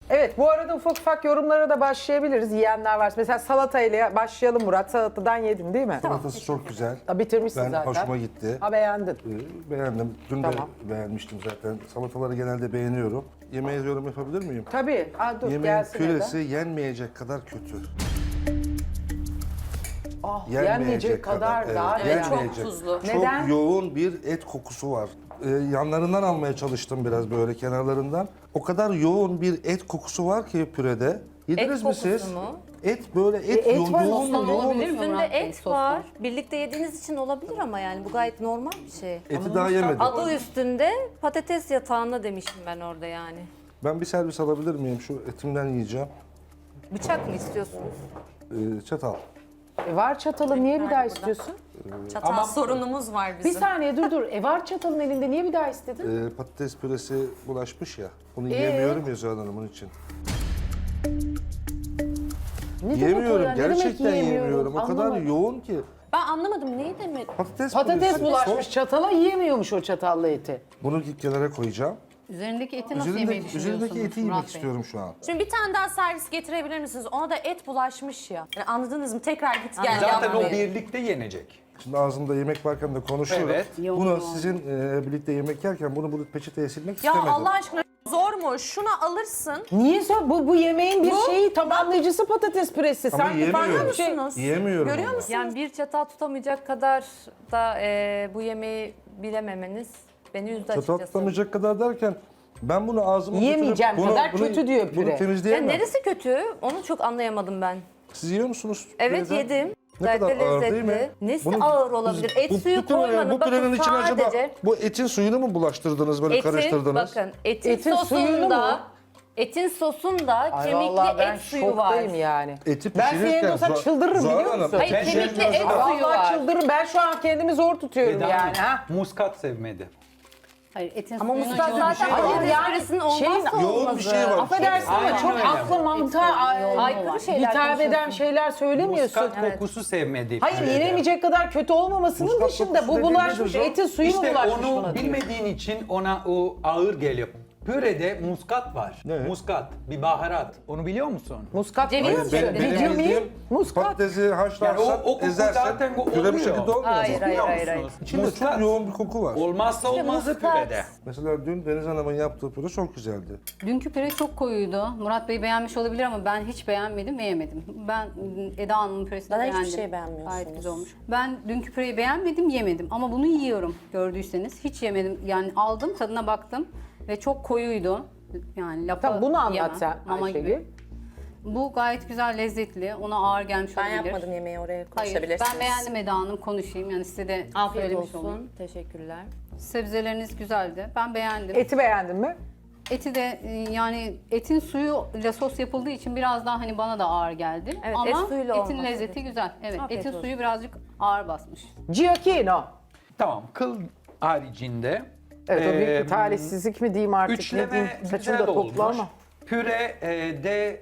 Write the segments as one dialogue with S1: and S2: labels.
S1: Evet, bu arada ufak ufak yorumlara da başlayabiliriz. Yiyenler varsa. Mesela salatayla başlayalım Murat. Salatadan yedin değil mi?
S2: Salatası çok güzel.
S1: Ha, bitirmişsin
S2: Ben
S1: zaten.
S2: hoşuma gitti.
S1: Ha, beğendin.
S2: Beğendim. Dün
S1: Tamam.
S2: de beğenmiştim zaten. Salataları genelde beğeniyorum. Yemeğe yorum yapabilir miyim?
S1: Tabii. Aa, dur
S2: Yemeğin
S1: gelsin
S2: püresi
S1: neden?
S2: yenmeyecek kadar kötü.
S1: Ah, yenmeyecek kadar daha
S2: evet,
S1: yani.
S2: yenmeyecek.
S3: Çok tuzlu.
S2: Çok
S1: Neden?
S2: yoğun bir et kokusu var. Yanlarından almaya çalıştım biraz böyle kenarlarından. O kadar yoğun bir et kokusu var ki pürede. Yediniz mi
S3: kokusu
S2: siz?
S3: mu?
S2: Et böyle et,
S1: et
S2: yoğun,
S1: var,
S2: yoğun,
S1: sostan
S2: yoğun.
S4: olabilir mi?
S3: Üstünde
S4: Murat Bey,
S3: et
S4: soslu?
S3: var. Birlikte yediğiniz için olabilir ama yani bu gayet normal bir şey.
S2: Eti daha yemedim.
S3: Adı üstünde patates yatağında demiştim ben orada yani.
S2: Ben bir servis alabilir miyim? Şu etimden yiyeceğim.
S3: Bıçak mı istiyorsunuz?
S2: Çatal.
S1: Var çatalı, niye bir daha istiyorsun?
S3: Çatal sorunumuz var
S1: Bir
S3: bizim.
S1: saniye dur. Var çatalın elinde, niye bir daha istedin?
S2: Patates püresi bulaşmış ya. Onu yiyemiyorum ya Zuhal Hanım onun için.
S1: Ne demek o
S2: Yiyemiyorum.
S1: ya? Ne demek
S2: Gerçekten yiyemiyorum. O kadar
S1: Anlamadım.
S2: yoğun ki.
S3: Ben anlamadım neyi demek?
S2: Patates
S1: Patates
S2: püresi.
S1: bulaşmış çatala, yiyemiyormuş o çatallı eti.
S2: Bunu kenara koyacağım.
S4: Üzerindeki eti nasıl yemeyi düşünüyorsunuz
S2: Üzerindeki eti yemek
S4: Murat Bey?
S2: istiyorum şu an.
S3: Şimdi bir tane daha servis getirebilir misiniz? Ona da et bulaşmış ya. Yani anladınız mı? Tekrar git gel
S5: Zaten
S3: yapmayın.
S5: o birlikte yenecek.
S2: Şimdi ağzımda yemek varken de konuşuyorum.
S5: Evet.
S2: Bunu sizin birlikte yemek yerken bunu peçeteye silmek
S3: Ya
S2: istemedim.
S3: Allah aşkına zor mu? Şunu alırsın.
S1: Niye zor? Bu yemeğin bir şeyi tamamlayıcısı patates püresi.
S2: Ama
S1: Sanki farklı
S2: yiyemiyorum.
S1: bir şey.
S3: Musunuz?
S2: Yiyemiyorum
S3: Görüyor
S2: ama.
S3: musun?
S4: Yani bir çatal tutamayacak kadar da bu yemeği bilememeniz beni üzdü
S2: Çatal
S4: açıkçası.
S2: tutamayacak kadar derken ben bunu ağzıma
S1: Yiyemeyeceğim
S2: götürüp
S1: kadar kötü diyor
S2: Bunu
S1: püre.
S4: Ya
S2: temizleyemem.
S4: neresi kötü? Onu çok anlayamadım ben.
S2: Siz yiyor musunuz?
S4: Evet
S2: püreden?
S4: yedim.
S2: Ne
S4: Gayet
S2: kadar
S4: de
S2: ağır değil mi?
S4: lezzetli. Nesi
S2: Bunu-
S4: ağır olabilir? Et suyu
S2: bütün-
S4: koymadın.
S2: Bu pürenin
S4: Bakın
S2: için acaba
S4: sadece
S2: bu etin suyunu mu bulaştırdınız böyle karıştırdınız?
S4: bakın etin,
S1: Etin suyunu mu?
S4: sosunda Etin sosunda
S1: Ay vallahi
S4: kemikli
S1: ben
S4: et suyu var.
S1: şoktayım yani.
S2: Eti
S1: Ben senin
S2: pişirirken
S1: olsa
S2: Zuhal-
S1: çıldırırım
S2: Zuhal
S1: biliyor
S2: Hanım,
S1: musun?
S4: Hayır kemikli et suyu
S1: Vallahi
S4: var.
S1: çıldırırım. Ben şu an kendimi zor tutuyorum
S5: Eda
S1: yani.
S5: Hanım,
S1: Ha?
S5: muskat sevmedi.
S4: Hayır etin
S3: Ama
S4: suyuna
S3: muskat
S4: yoğun
S3: zaten
S4: bir şey var.
S1: Hayır, yani
S3: patatesin
S1: şeyin-
S3: olmazsa
S2: yoğun bir
S3: olmazı.
S2: şey var.
S1: Affedersin ama
S5: Aynen
S1: çok
S5: öyle.
S1: aklı mantığa
S4: Aykırı şeyler
S1: hitap eden
S4: konuşuyorsun.
S1: şeyler söylemiyorsun.
S5: Muskat kokusu sevmedi.
S1: Hayır,
S5: pürede.
S1: yenemeyecek kadar kötü olmamasının
S2: Muskat
S1: dışında
S2: kokusu
S1: bu
S2: dediğin
S1: bulaşmış
S2: nedir o?
S1: etin suyu mu
S5: İşte
S1: bulaşmış
S5: onu
S1: buna diyor.
S5: bilmediğin için ona o ağır geliyor. Pürede muskat var.
S2: Ne?
S5: Muskat, bir baharat. Onu biliyor musun?
S1: Muskat
S4: Ceviz
S1: mı?
S4: mi?
S2: Benim
S1: Biliyor muyum?
S2: bildiğim
S1: Muskat.
S2: patatesi
S5: Yani
S2: haşlarsan,
S5: o koku
S2: ezersen
S5: zaten bu
S2: püre bu
S5: oluyor.
S2: şekilde olmuyor.
S4: Hayır, hayır,
S5: Biliyor
S4: hayır, hayır.
S5: musunuz?
S2: İçinde
S5: Muskat.
S2: çok yoğun bir koku var.
S5: Olmazsa olmazı
S3: muskat.
S5: pürede.
S2: Mesela dün Deniz Hanım'ın yaptığı püre çok güzeldi.
S4: Dünkü püre çok koyuydu. Murat Bey beğenmiş olabilir ama ben hiç beğenmedim ve yemedim. Ben Eda Hanım'ın püresini
S3: Bana
S4: beğendim.
S3: hiçbir şey beğenmiyorsunuz.
S4: Gayet güzel olmuş. Ben dünkü püreyi beğenmedim, yemedim. Ama bunu yiyorum gördüyseniz. Hiç yemedim. Yani aldım, tadına baktım ve çok koyuydu. Yani lapa
S1: Tamam, bunu anlat
S4: yemem.
S1: sen
S4: Mama
S1: Ayşegül.
S4: gibi. Bu gayet güzel, lezzetli. Ona ağır gelmiş
S3: Ben
S4: olabilir.
S3: yapmadım yemeği oraya
S4: Hayır,
S3: konuşabilirsiniz.
S4: ben beğendim Eda Hanım. Konuşayım. Yani size de
S3: Afiyet
S4: söylemiş
S3: olsun.
S4: olayım.
S3: Teşekkürler.
S4: Sebzeleriniz güzeldi. Ben beğendim.
S1: Eti beğendin mi?
S4: Eti de yani etin suyuyla sos yapıldığı için biraz daha hani bana da ağır geldi.
S3: Evet,
S4: ama
S3: et suyuyla
S4: etin
S3: olmaz.
S4: lezzeti güzel. Evet,
S3: Afiyet
S4: etin
S3: olsun.
S4: suyu birazcık ağır basmış.
S1: Giacchino.
S5: Tamam, kıl haricinde.
S1: Evet, o büyük
S5: eee,
S1: bir talihsizlik mi diyeyim artık, ne
S5: Üçleme
S1: diyeyim. Saçını
S5: güzel
S1: da topla
S5: olmuş.
S1: ama.
S5: Püre de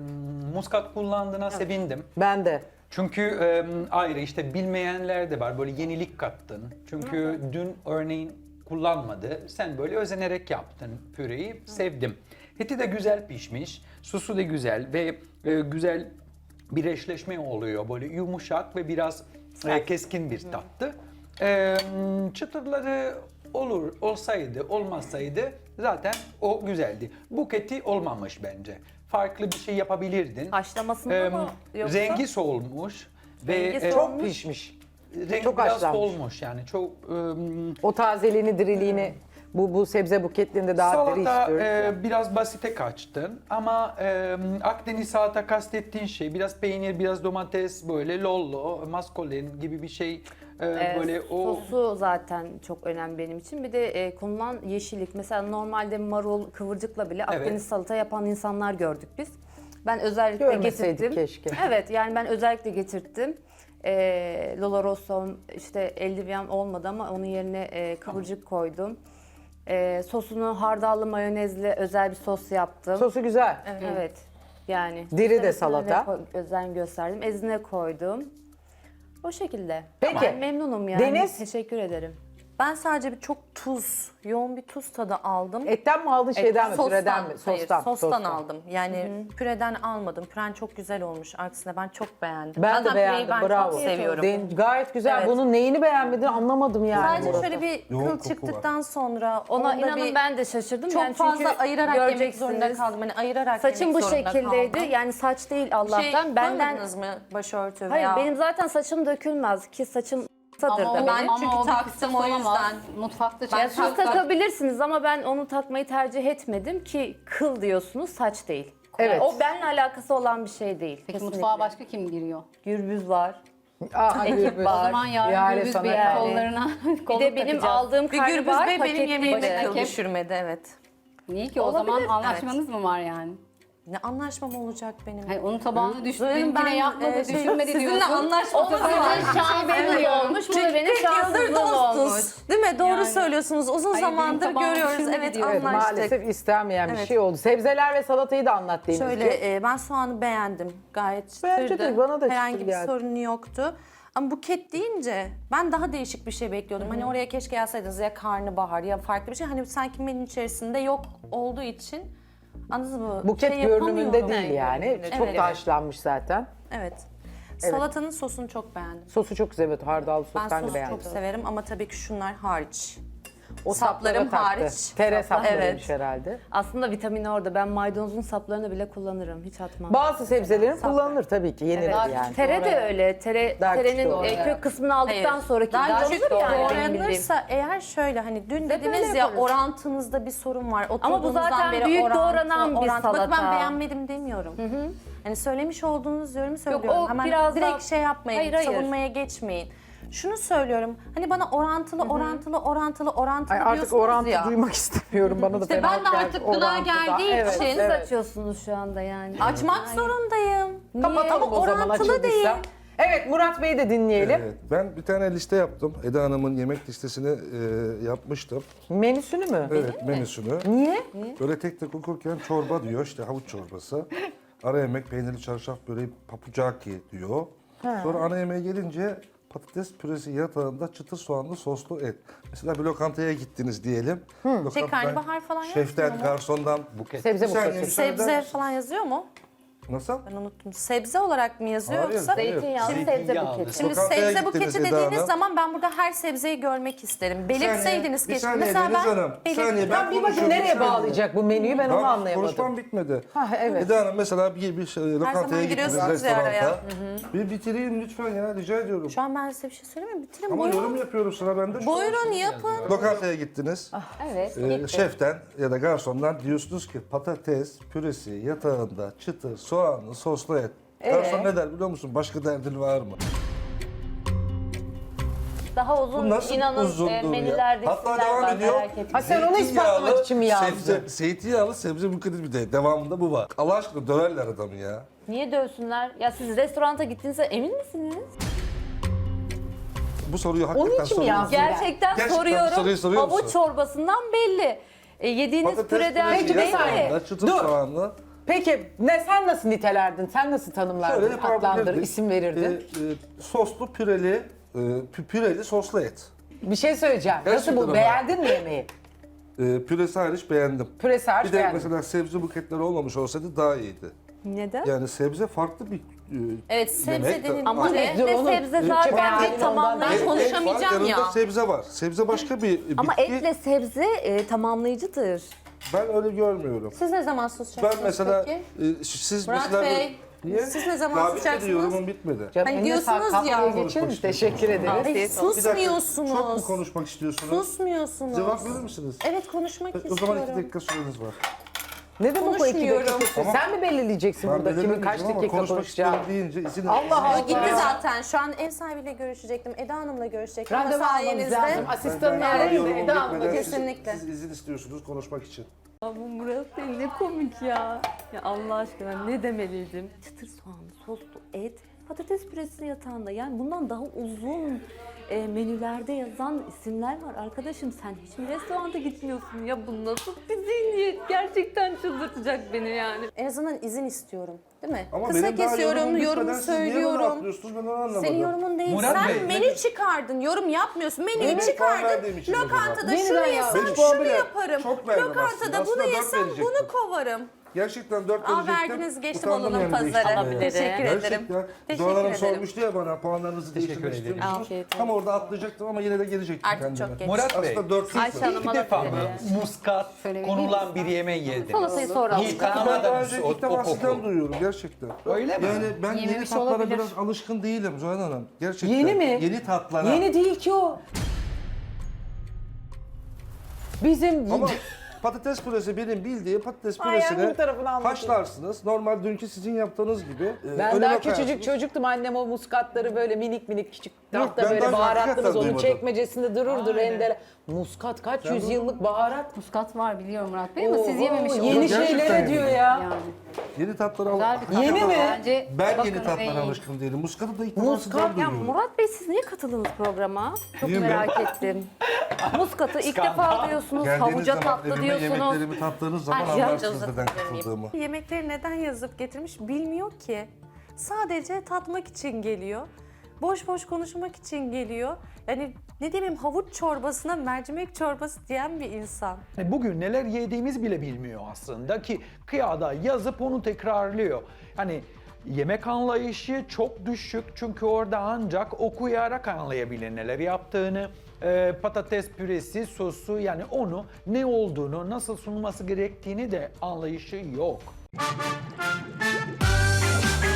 S5: muskat kullandığına sevindim.
S1: Ben de.
S5: Çünkü ayrı işte bilmeyenler de var. Böyle yenilik kattın. Çünkü dün örneğin kullanmadı. Sen böyle özenerek yaptın püreyi. Sevdim. Eti de güzel pişmiş. Sosu da güzel ve güzel bir eşleşme oluyor. Böyle yumuşak ve biraz keskin bir tattı. Çıtırları olsaydı, olmasaydı zaten o güzeldi. Buketi olmamış bence. Farklı bir şey yapabilirdin.
S3: Haşlamasında mı yoksa?
S5: Rengi solmuş ve
S3: Rengi
S1: Çok pişmiş.
S5: rengi
S1: çok
S5: biraz
S1: haşlanmış.
S5: solmuş yani çok
S1: O tazeliğini, diriliğini bu sebze buketliğinde daha diri
S5: salata
S1: istiyoruz.
S5: biraz basite kaçtın ama Akdeniz salata kastettiğin şey biraz peynir, biraz domates böyle lollo, maskolen gibi bir şey böyle o
S3: Sosu zaten çok önemli benim için. Bir de konulan yeşillik. Mesela normalde marul, kıvırcıkla bile Akdeniz salata yapan insanlar gördük biz. Ben özellikle
S1: Görmeseydik
S3: getirttim.
S1: keşke.
S3: Evet, yani ben özellikle getirttim. Lolo Rosso işte eldiven olmadı ama onun yerine kıvırcık koydum. Sosunu hardallı mayonezli özel bir sos yaptım.
S1: Sosu güzel.
S3: Evet. Yani
S1: Diri de
S3: üstüne
S1: salata.
S3: özen gösterdim. Ezine koydum. O şekilde.
S1: Peki.
S3: Ben memnunum yani.
S1: Deniz?
S3: Teşekkür ederim.
S6: Ben sadece bir çok yoğun bir tuz tadı aldım.
S1: Etten mi aldın şeyden mi?
S6: Sostan,
S1: Püreden mi?
S6: hayır, sostan aldım. Yani püreden almadım. Püren çok güzel olmuş. Aksine ben çok beğendim.
S1: Ben de
S6: Zaten püreyi
S1: beğendim.
S6: ben
S1: Bravo.
S6: çok seviyorum.
S1: Gayet güzel.
S6: Evet.
S1: Bunun neyini beğenmedin anlamadım yani.
S6: Sadece
S1: Murat'ım.
S6: şöyle bir
S2: Yoğun
S6: kıl
S2: koku
S6: çıktıktan sonra
S3: Ona
S6: onda
S3: inanın
S6: bir
S3: ben de şaşırdım.
S6: çok
S3: Yani
S6: fazla
S3: çünkü
S6: ayırarak yemek zorunda
S3: göreceksiniz.
S6: kaldım. Hani ayırarak
S3: Saçım
S6: yemek
S3: bu
S6: zorunda
S3: şekildeydi.
S6: kaldım.
S3: Yani saç değil
S6: Şey
S3: Allah'tan. Benden
S6: koymadınız mı başörtü
S3: Hayır
S6: veya?
S3: benim zaten saçım dökülmez ki saçım kısadır
S4: Ama
S3: da
S4: o
S6: ben
S3: benim.
S4: ama
S6: çünkü
S4: o bir
S6: taktım,
S4: kısıt
S6: o
S4: olamaz.
S6: yüzden.
S4: Mutfakta
S3: Ya siz
S4: çalışmak-
S3: takabilirsiniz ama ben onu takmayı tercih etmedim ki kıl diyorsunuz saç değil.
S1: Evet.
S3: O benimle alakası olan bir şey değil.
S4: Peki
S3: kesinlikle.
S4: mutfağa başka kim giriyor?
S3: Gürbüz var.
S1: Ekip
S4: O zaman yarın
S1: Yani
S4: gürbüz
S1: sana
S4: bir
S1: kaldı.
S4: kollarına
S3: Bir
S4: kolluk
S3: de benim
S4: takacağız.
S3: aldığım
S6: Bir Gürbüz
S3: karnabahar
S6: Bey benim yemeğime
S3: paketliydi.
S6: kıl düşürmedi, evet.
S4: Niye ki? O zaman
S3: Olabilir,
S4: anlaşmanız mı var yani?
S6: Ne anlaşmam olacak benim?
S4: Hayır, onun tabağını düştü,
S6: Zoya'nın
S4: benimkine yapmadı, düşürmedi
S6: sizinle
S4: diyorsun.
S6: anlaşmadım.
S3: Şaibeli olmuş. Bu da benim
S6: 40 yıldır
S3: şanssızlığım olmuş.
S6: dostuz. Değil mi? Doğru
S4: Yani.
S6: söylüyorsunuz. Uzun
S4: Hayır, benim
S6: zamandır
S4: tabağım
S6: görüyoruz.
S4: düşürmedi
S6: Evet,
S4: diyor.
S1: Evet,
S6: anlaştık.
S1: maalesef istenmeyen bir
S6: Evet.
S1: şey oldu. Sebzeler ve salatayı da anlat Denizciğim.
S6: Şöyle ben soğanı beğendim. Gayet
S1: Bence
S6: çıtırdı.
S1: de, bana da
S6: Herhangi
S1: çıtır
S6: bir
S1: geldi.
S6: sorunu yoktu. Ama buket deyince ben daha değişik bir şey bekliyordum. Hani oraya keşke yazsaydınız ya karnabahar ya farklı bir şey. Hani sanki menünün içerisinde yok olduğu için anladınız mı?
S1: Buket
S6: Şey
S1: görünümünde
S6: yapamıyorum.
S1: değil yani. Çok
S6: Evet.
S1: da haşlanmış zaten.
S6: Evet. Salatanın sosunu çok beğendim.
S1: Sosu çok güzel. Evet, hardal sos
S6: Ben
S1: ben de
S6: sosu
S1: beğendim.
S6: çok severim ama tabii ki şunlar hariç.
S1: O
S6: saplarım
S1: saplara taktı.
S6: hariç.
S1: Tere saplarıymış
S6: Evet.
S1: herhalde.
S3: Aslında vitamini orada. Ben maydanozun saplarını bile kullanırım. Hiç atmam.
S1: Bazı sebzelerin kullanılır tabii ki. Yenilir
S3: Evet.
S1: yani.
S3: Tere de öyle.
S1: Daha
S3: Terenin
S1: küçük doğru.
S3: kök kısmını aldıktan
S6: Hayır.
S3: sonraki
S6: Daha
S3: olur
S6: küçük
S3: yani benim bildiğim.
S6: doğranırsa eğer şöyle hani dün
S3: böyle
S6: dediniz ya
S3: yaparız.
S6: orantınızda bir sorun var.
S3: Ama bu zaten
S6: Oturduğunuzdan beri
S3: büyük
S6: orantı,
S3: doğranan bir
S6: orantı. Bakın ben
S3: salata.
S6: beğenmedim demiyorum. Hani söylemiş olduğunuz yorumu söylüyorum.
S3: o
S6: Hemen
S3: biraz
S6: direkt
S3: daha-
S6: şey yapmayın,
S3: Hayır, hayır.
S6: savunmaya geçmeyin. Şunu söylüyorum. Hani bana orantılı
S1: Ay, artık
S6: diyorsunuz
S1: orantı
S6: ya.
S1: duymak istemiyorum. Bana da
S6: İşte
S1: fena
S6: ben de
S1: geldi.
S6: artık gıda
S1: Orantıda.
S6: geldiği
S1: Evet,
S6: için-
S3: Siz
S1: evet.
S3: açıyorsunuz şu anda yani.
S6: Açmak zorundayım.
S1: Kapatalım
S6: Ama
S1: o zaman
S6: orantılı
S1: açıldıysa.
S6: değil.
S1: Evet, Murat Bey'i de dinleyelim.
S2: Evet, ben bir tane liste yaptım. Eda Hanım'ın yemek listesini yapmıştım.
S1: Menüsünü mü?
S2: Evet, menüsünü.
S1: Niye?
S2: Böyle tek tek okurken çorba diyor, işte havuç çorbası. Ara yemek peynirli çarşaf böreği papucaki diyor. Sonra ana yemeğe gelince patates püresi yatağında çıtır soğanlı soslu et. Mesela bir lokantaya gittiniz diyelim. Lokantadan
S6: karnabahar falan
S2: şeften,
S6: yazmıyor mu?
S2: garsondan.
S1: Sebze
S2: Bir saniye,
S1: buketi.
S2: müsaade eder
S6: Sebze
S2: misin?
S6: falan yazıyor mu?
S2: Nasıl?
S6: Ben unuttum. Sebze olarak mı yazıyor
S2: Hayır,
S6: yoksa?
S2: hayır.
S3: Zeytinyağlı sebze
S5: Zeytinyağlı.
S3: buketi.
S6: Şimdi
S2: Lokantaya
S6: sebze
S2: gittiniz
S6: buketi
S2: Eda
S6: dediğiniz
S2: Hanım.
S6: zaman ben burada her sebzeyi görmek isterim. Belirtseydiniz
S2: Bir
S6: keşke.
S2: saniye
S6: Mesela
S2: Deniz
S6: ben
S2: Hanım, bir saniye,
S1: Ben bir bakayım
S2: konuşuyorum,
S1: nereye
S2: bir saniye.
S1: bağlayacak bu menüyü ben onu
S2: Daha
S1: anlayamadım.
S2: konuşmam bitmedi.
S1: Ha, evet.
S2: Eda Hanım mesela bir lokantaya
S6: zaman
S2: gittiniz,
S6: giriyorsunuz ya araya.
S2: restoranta. Bir bitireyim lütfen ya, rica ediyorum.
S6: Şu an ben size bir şey söyleyeyim mi? Bitirin
S2: Ama
S6: buyurun.
S2: yorum yapıyorum, sıra bende. şu an.
S6: Buyurun yapın.
S2: Lokantaya gittiniz.
S3: Evet.
S2: Şeften ya da garsondan diyorsunuz ki patates püresi yatağında çıtır soğanlı soslu et. Garson ne der biliyor musun? Başka derdin var mı?
S3: Daha uzun
S2: Bu nasıl
S3: inanın
S2: uzundur ya?
S3: menülerde
S2: Hatta
S3: isimler
S2: devam
S3: var
S2: ediyor.
S3: merak etmeyin.
S1: Ha, sen onu ispatlamak için mi yazdın?
S2: Zeytinyağlı sebze buketi bir de devamında bu var. Allah aşkına döverler adamı ya.
S3: Niye dövsünler? Ya siz restoranta gittiğinizde emin misiniz?
S2: Bu soruyu hakikaten
S1: Onun için mi
S2: soruyorum.
S1: yazdın?
S3: Gerçekten
S2: Gerçekten
S3: soruyorum.
S2: soruyu soruyor
S3: Havuç
S2: musun?
S3: çorbasından belli. Yediğiniz
S2: Patates
S3: püreden
S2: püresi
S1: Peki, bir saniye.
S2: yatağında çıtır
S1: Dur.
S2: soğanlı.
S1: Peki sen nasıl nitelerdin? Sen nasıl tanımlardın,
S2: Şöyle
S1: adlandırır,
S2: yapabilirdik.
S1: isim verirdin?
S2: Soslu püreli, püreli soslu et.
S1: Bir şey söyleyeceğim. Nasıl
S2: Gerçekten
S1: bu?
S2: ama.
S1: Beğendin mi yemeği?
S2: Püresi hariç beğendim.
S1: Püresi hariç
S2: Bir de
S1: beğendim.
S2: mesela sebze buketleri olmamış olsaydı daha iyiydi.
S3: Neden?
S2: Yani sebze farklı bir
S6: Evet sebze
S2: yemek.
S6: denince
S3: Ama
S1: Dur,
S3: etle
S1: onu-
S3: sebze
S1: Ülke
S3: zaten
S1: beğendin
S3: bir tamamlayıcı.
S6: Ben konuşamayacağım
S2: yanında
S6: ya.
S2: sebze var. Sebze başka bir bitki.
S3: Ama etle sebze tamamlayıcıdır.
S2: Ben öyle görmüyorum.
S6: Siz ne zaman sus
S2: Ben
S6: yapacaksınız
S2: mesela
S6: peki?
S2: siz
S6: Murat
S2: mesela
S6: Bey,
S2: niye?
S6: siz ne zaman
S2: Daha bitmedi,
S6: susacaksınız?
S2: yorumum bitmedi.
S1: Canım,
S6: Hani
S1: eline
S6: diyorsunuz
S1: sağlık.
S6: ya.
S1: Kahveye geçelim mi? Teşekkür ederiz.
S6: Ay,
S2: Bir dakika, çok mu
S6: susmuyorsunuz.
S2: konuşmak istiyorsunuz?
S6: Susmuyorsunuz.
S2: Cevap verir misiniz?
S6: Evet konuşmak
S2: O
S6: istiyorum.
S2: zaman 2 dakika süreniz var.
S1: Ne demek o 2
S6: Konuşmuyorum.
S1: dakika? Sen mi belirleyeceksin
S2: Ben
S1: burada kimin kaç
S2: belirlemeyeceğim ama
S1: dakika
S2: konuşmak
S1: konuşacağını?
S2: istiyorum deyince izin
S1: Allah Allah.
S6: O gitti zaten. Şu an ev sahibiyle görüşecektim. Eda Hanım'la görüşecektim.
S1: Randevu
S6: Ama
S1: almamız
S6: sayenizde.
S1: lazım. Asistanını
S2: Ben
S1: arayın da
S2: yorumum
S1: Eda Hanım'la
S2: bitmeden
S6: kesinlikle.
S2: Siz izin istiyorsunuz konuşmak için.
S3: Bu Murat Bey ne komik ya. Ya Allah aşkına ne demeliydim? Çıtır soğanlı soslu et,
S7: patates püresi yatağında, yani bundan daha uzun menülerde yazan isimler var. Arkadaşım sen hiç mi restoranta gitmiyorsun ya? Bu nasıl bir zihniyet? Gerçekten çıldırtacak beni yani.
S6: En azından izin istiyorum. Değil mi?
S2: Ama
S6: Kısa
S2: benim daha
S6: kesiyorum,
S2: yorumum
S6: yorumu
S2: bitmeden siz niye bana
S6: söylüyorum.
S2: atlıyorsunuz, ben onu anlamadım.
S6: Senin yorumun değil.
S5: Murat
S6: Sen
S5: Bey,
S6: menü çıkardın, yorum yapmıyorsun. Menüyü
S2: Evet, puan
S6: çıkardın.
S2: verdiğim için o zaman.
S6: Lokantada
S1: Menüden
S6: şunu
S1: ya.
S6: yesem
S2: 5 puan
S6: şunu
S2: bile
S6: yaparım.
S2: çok verdim
S6: Lokantada
S2: aslında.
S6: bunu
S2: Aslında 4
S6: yesem
S2: verecektim.
S6: bunu kovarım.
S2: Gerçekten 4
S6: Aa,
S2: verecektim.
S6: verdiniz, geçti
S2: Utandım
S6: balonun
S2: yani
S6: pazarı.
S2: değiştirmeye.
S6: Alabilirim. Teşekkür ederim.
S2: Gerçekten.
S6: Teşekkür
S2: Doğan Hanım
S6: ederim.
S2: sormuştu ya bana puanlarınızı
S5: Teşekkür
S2: değiştirmek
S5: ederim.
S2: istiyor musunuz?
S6: Afiyet olsun.
S2: Tam orada atlayacaktım ama yine de gelecektim
S6: Artık
S2: kendime.
S6: çok geç.
S5: Murat Bey,
S2: Aslında 4
S3: Ayşe Hanım
S5: ilk defa mı
S3: alabilir.
S5: muskat
S4: Söyleyebilir
S5: konulan bir yemeği yediniz?
S3: Salatayı sonra
S5: Hiç
S3: alacağım.
S2: Ben daha
S5: tanımadınız
S2: önce
S5: o
S2: ilk defa sizden
S5: koku.
S2: duyuyorum gerçekten.
S5: Öyle mi?
S2: Yani ben yeni
S4: Yememiş
S2: tatlara
S4: olabilir.
S2: biraz alışkın değilim Zuhal Hanım. Gerçekten.
S1: Yeni mi?
S2: Yeni tatlara.
S1: Yeni değil ki o. Bizim
S2: Ama patates püresi benim bildiğim patates
S1: Ay, yani
S2: püresini
S1: bir tarafını anlatayım.
S2: haşlarsınız. Normal dünkü sizin yaptığınız gibi.
S1: Ben
S2: önüne
S1: daha
S2: koyarsınız.
S1: küçücük çocuktum. Annem o muskatları böyle minik minik küçük
S2: Yok,
S1: tahta
S2: ben
S1: böyle
S2: daha
S1: baharatlımız
S2: hakikaten
S1: onun
S2: duymadım.
S1: çekmecesinde dururdu rendele. Muskat kaç yüzyıllık baharat.
S4: Muskat var biliyorum Murat Bey ama siz
S1: Oo,
S4: yememiş
S1: Yeni
S4: olabilirsiniz.
S2: Gerçekten
S1: şeylere
S2: yemedim.
S1: diyor ya.
S4: Yani.
S2: Yeni tatlara
S4: Güzel bir tat.
S1: Yeni mi?
S4: Bence
S2: Ben
S4: bakın
S2: yeni tatlara
S4: en iyi.
S2: alışkın değilim. Muskatı da ilk defa
S1: Muskat
S2: sizden
S3: Ya
S2: duyuyorum.
S3: Murat Bey siz niye katıldınız programa? Çok
S2: Niye mi?
S3: merak ettim. Muskatı ilk
S5: Skandal.
S3: defa diyorsunuz,
S2: Geldiğiniz
S3: havuca
S2: zaman
S3: tatlı
S2: evime
S3: diyorsunuz.
S2: yemeklerimi tattığınız zaman
S3: Ay,
S2: anlarsınız
S3: canınızı
S2: neden
S3: seveyim.
S2: katıldığımı.
S6: Yemekleri neden yazıp getirmiş bilmiyor ki. Sadece tatmak için geliyor. Boş boş konuşmak için geliyor. Yani ne diyeyim, havuç çorbasına mercimek çorbası diyen bir insan.
S5: Yani bugün neler yediğimiz bile bilmiyor aslında ki kıyada yazıp onu tekrarlıyor. Hani yemek anlayışı çok düşük çünkü orada ancak okuyarak anlayabilir neler yaptığını. Patates püresi, sosu yani onu ne olduğunu, nasıl sunulması gerektiğini de anlayışı yok.